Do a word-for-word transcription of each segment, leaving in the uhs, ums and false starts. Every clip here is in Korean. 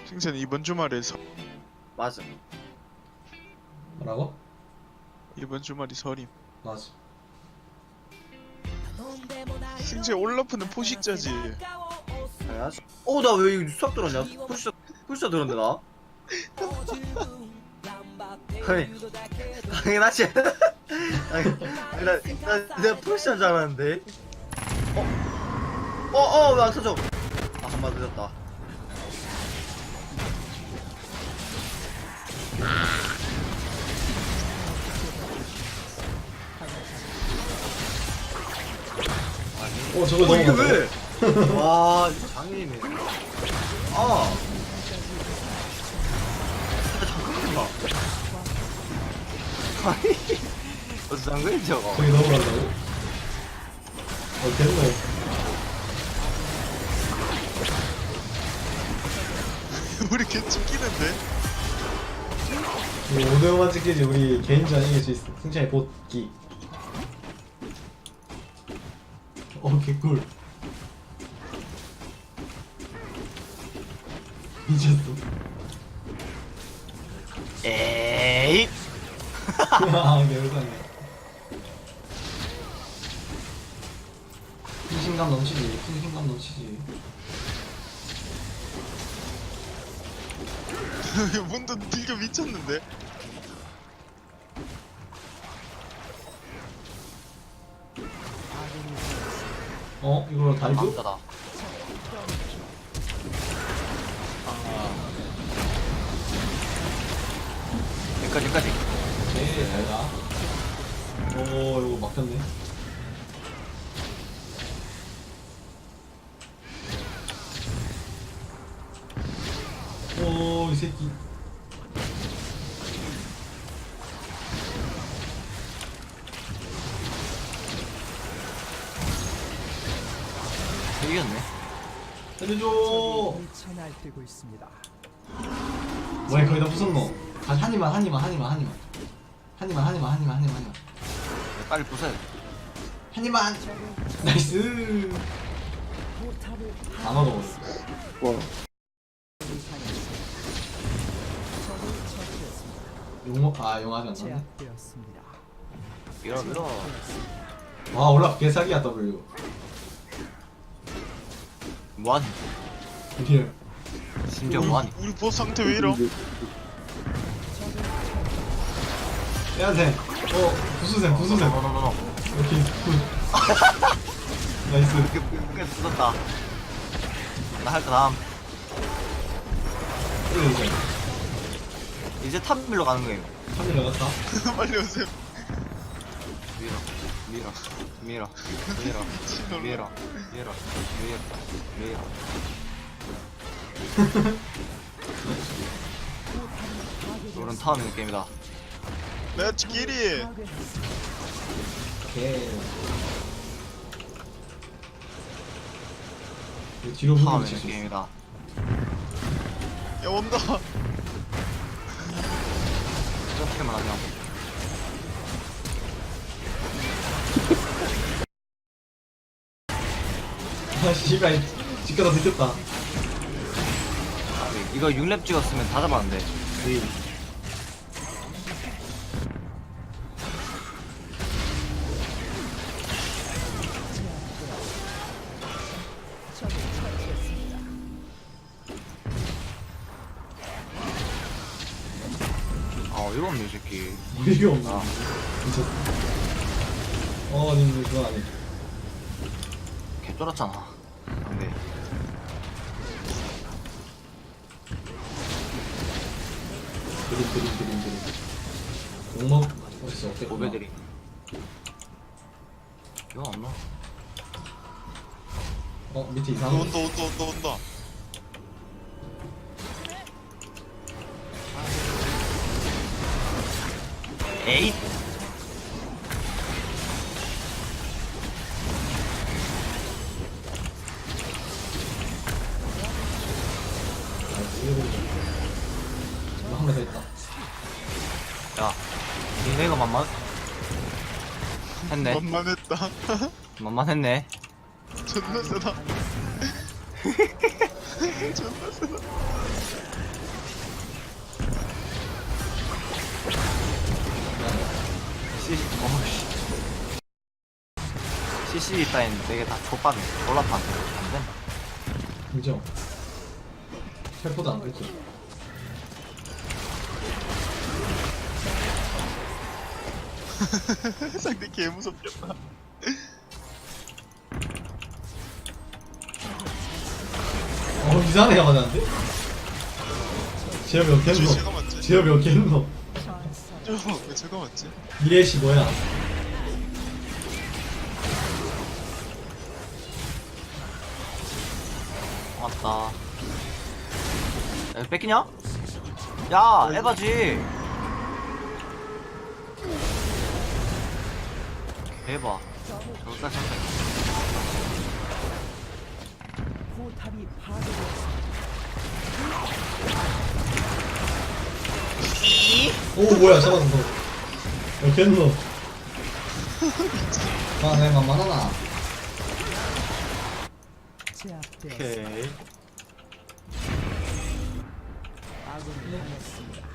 승찬이 이번 주말에 서... 맞아. 뭐라고? 이번 주말이 설임. 맞아. 승재 올라프는 포식자지. 당연하지. 어, 나 왜 이거 수학 들었냐? 풀샷, 풀샷 들었네, 나? 아니, 당연하지. 아니, 나, 나, 내가 풀샷인 줄 알았는데. 어? 어, 어, 왜 안 터져? 아, 한 번 늦었다. 어 저거 어, 너무 이게 많다. 왜? 와, 이거 장애이네. 아. 아, 잠깐만. 아니, 무슨 장난이 저거? 저기 넘어간다고? 어 됐네. 우리 개 찍히는데? 우리 오 대 오만 찍히지 우리 개인전 이길 수 있어. 승찬이 복귀. 어 개꿀. 미쳤어. 에이. 아 개울상이야. 풍신감 넘치지. 풍신감 넘치지. 문도 들겨 미쳤는데? 어 이거 다이브? 남자다. 여기까지, 여기까지. 오케이 잘가. 오 이거 막혔네. 오 이 새끼. 이겼네. 살려줘. 미쳐 날뛰고 있습니다. 뭐야 거의 다 부쉈노. 아, 한 입만 한 입만 한 입만 한 입만 한 입만 한 입만 한 입만 한 입만 한 입만 빨리 부숴야 돼. 한 입만. 나이스. 포탑을 다 먹어버렸어. 와. 적을 처치했습니다. 용먹 아 용하지 않았네. 제압되었습니다. 밀어, 밀어. 와 올라 개사기야 W. 뭐하니? 딜. 심지어 우리, 뭐하니? 우리 보스 상태 왜 이러? 빼야돼. 어 부수셈 부수셈. 너너너너. 오케이 굿. 나이스. 이렇게 이렇게 부쉈다. 나 할 거 다음. 이거 이제 이제 탑 밀러 가는 거예요. 한 일 나갔다. 빨리 오세요. 밀어, 밀어, 밀어, 밀어, 미친놈아. 밀어, 밀어, 밀어, 밀어. 이런 타워 미는 게임이다. 렛츠 기리. 오케이. 이거 뒤로 타워 부분 미는 칠수 있어. 게임이다. 야 온다. 이렇게만 하면. 아 씨발 집가다 들켰다. 이거 육 렙 찍었으면 다 잡았는데. 적을 처치했습니다. 아, 이거 없네, 이 새끼. 이게 없나? 아. 미쳤어. 어 님들 그거 안 해. 개 쫄았잖아. 안 돼. 드림 드림 드림 드림. 용먹 어딨어? 없겠구나. 오베들이. 이거 없나? 어 밑에 너 이상한 온다 온다 온다 온다. 에잇! 한명 더 있다. 야, 니네가 만만 했네. 만만했다. 만만했네. 존나 세다. 존나 세다. 애쉬 따윈 되게 다 족밥이 올라파 안 된다. 그죠? 텔포도 안 됐죠. 상대 개 무섭겠다. 어 이상한 애가 맞았는데? 제어 몇 개는 저 제가 거? 맞지? 제어 몇 개는 거? 저왜 제가 맞지? 이래시 뭐야? 맞다. 야, 뺏기냐? 야, 에바지. 대박. 저기까지 한다. 포탑이 파괴되었습니다. 오 뭐야 잡았어 너. 몇 개는 거? 아 내가 만만하나? 제압되었습니다. 오케이. 아군이 당했습니다.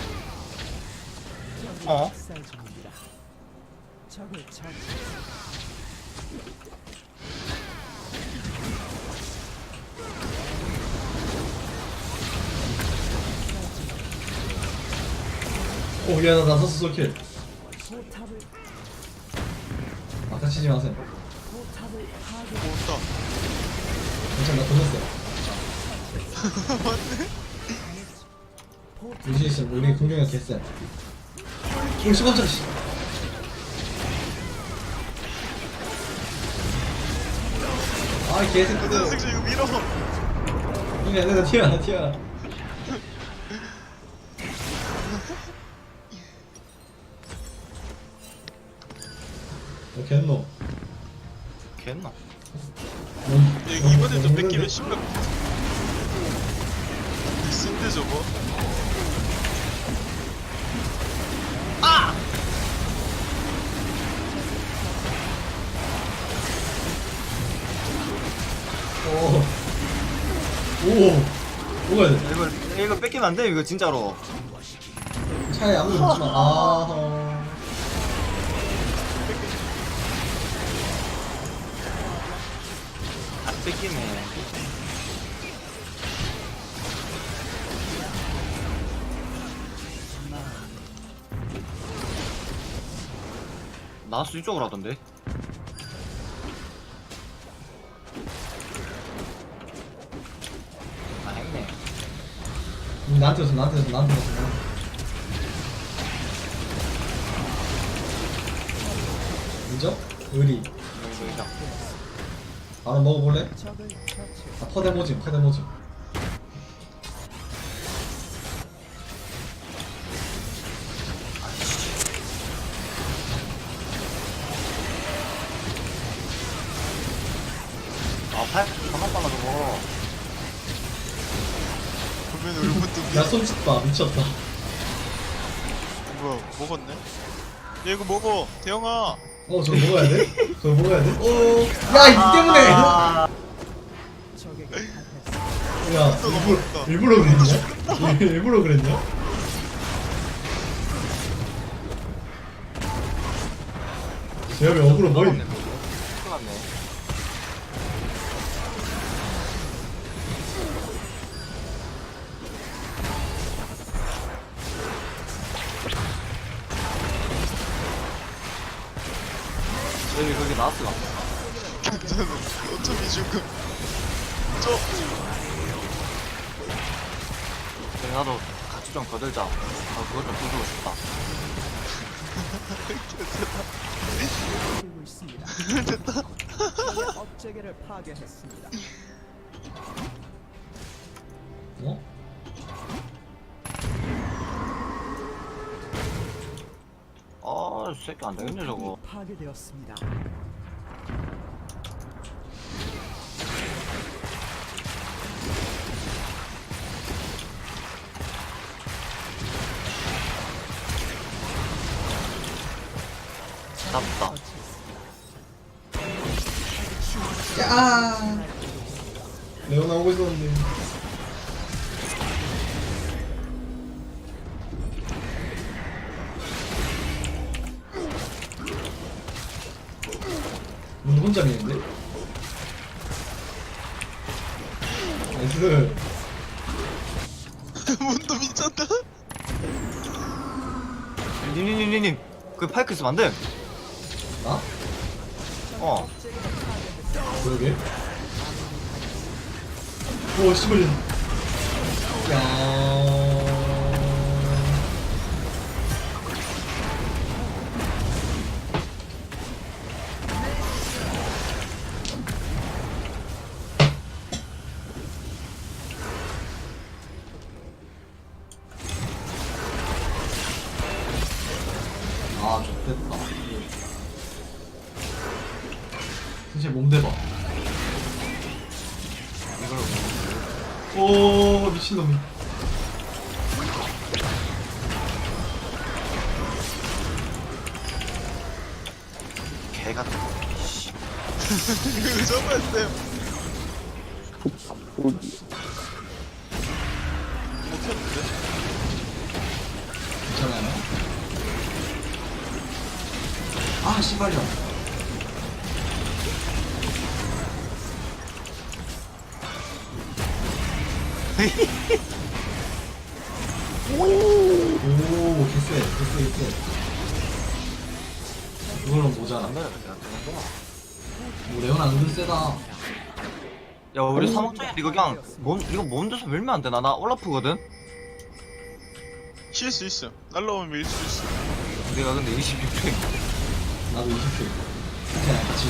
적이 어? 학살 중입니다. 적을 처치했습니다. 오 얘 나 나서스 솔킬. 포탑을 아까 치지 마세요. 포탑을 파괴. 오, 괜찮아 나 돌렸어요. 온다. 맞네. 포탑 유진 씨 우리 공격력 개쎄. 오 시간짜리 씨. 아이 개새끼들. 선생 이거 밀어. 이게 안 된다 튀어 나 튀어. 너 겠노? 겠나? 이거 이번에도 뺏기면 심각. 쓴데 저거. 오. 오. 뭐가 돼? 이거, 이거 뺏기면 안 돼, 이거 진짜로. 차에 아무도 없지만 아. 안 뺏기네. 나스 이쪽으로 하던데? 아, 했네. 음, 나한테 왔어 나한테 왔어 나한테 왔어. 나한테. 그죠? 의리. 이거, 이거. 바로 먹어볼래? 적을 처치. 아 퍼대 모짐 퍼대 모짐. 아, 팔, 잠깐 빨라, 저거. 보면 울분도 야 손짓 봐 미쳤다. 뭐야 먹었네? 야 이거 먹어 대영아. 어 저거 먹어야 돼? 저거 먹어야 돼? 오. 야이 때문에. 아, 적에게 당했습니다. 야 일부러 일부러 그랬냐? 일부러 그랬냐? 제협이 어그로 뭐임? 큰일 났네. 여기, 거기 나왔어. 괜찮아. 어차피 지금 저 그래, 나도 같이 좀 거들자. 나 그거 좀 부수고 싶다. 그리고 있습니다. 됐다. 적의 업체계를 파괴했습니다. 어? 아, 이 새끼 안 되겠네, 저거. 파괴되었습니다. 잡다. 야. 레오나 오고 있었는데. 혼자 미는데? 나이스. 문도 미쳤다. 님님님님 그 파이크 있으면 안돼. 나? 어 그러게. 오 씨발. 야. 아, 좋겠다. 진짜 몸 대봐. 이걸 오, 미친놈이. 개 같은 거. 씨. 그 정도였어요. 못했는데? 괜찮아요? 아, 씨발이야. 오, 개쎄, 개쎄, 개쎄. 이거는 모자라. 안 내려 내가 되는구나. 오, 레오나 은근 세다. 야 우리 사막장에 이거 그냥 몸 이거 몸 돼서 밀면 안 되나? 나 올라프거든. 칠 수 있어. 날라오면 밀 수 있어. 내가 근데 이십육 회. 나도 이십 킬. 그냥 같이.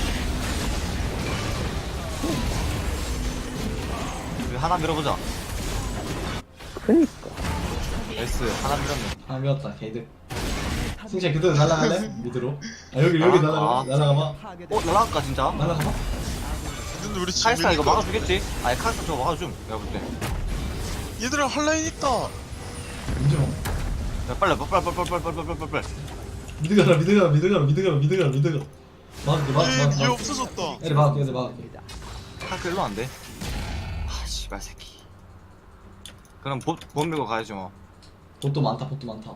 우리 하나 밀어보자. 그니까. S 하나 밀었네. 아, 미웠다, 개이득. 승재 그대로 날아갈래? 미드로. 아, 여기, 여기 날아가, 날아가봐. 어 날아갈까 진짜? 날아가봐. 근데 우리 지금 카이스가 이거 밀릴 것 막아주겠지? 아니 카이스 저거 막아줌. 내가 볼 때. 같아. 얘들아 한라인 있다. 민정. 야 빨리 빨리 빨리 빨리 빨리 빨리 빨리 빨리 빨리. 미드 가라, 미드 가라, 미드 가라, 미드 가라, 미드 가라, 미드 가라. 막을게, 막을게, 얘, 얘 막을게. 없어졌다. 애들 막을게, 애들 막을게. 카이스 일로 안 돼. 아 씨발 새끼. 그럼 보, 보 밀고 가야지 뭐. 봇도 많다, 봇도 많다.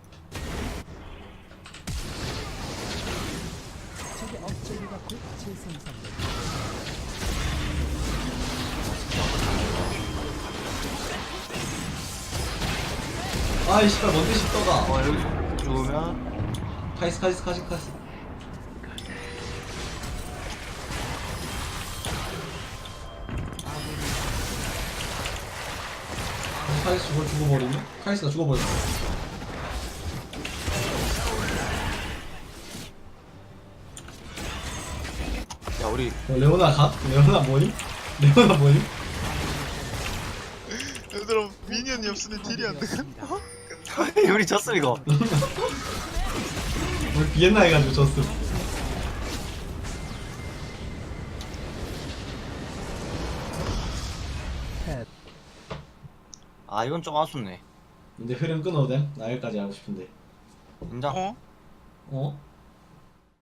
적의 업적이가 곧 재생산됩니다. 아이, 씨발, 뭔데 십더가. 어 여기 죽으면 카이스, 카이스, 카이스, 카이스. 카이스 죽어, 죽어버리네? 카이스가 죽어버렸어. 야 우리 어, 레오나 가? 레오나 뭐니? 레오나 뭐니? 얘들아 미니언이 없으니 딜이 안 돼. 우리 졌음 이거. 우리 비엔나 해가지고 졌음. 펫. 아 이건 좀 아쉽네. 근데 흐름 끊어도 돼? 나 여기까지 하고 싶은데. 인정. 어? 어?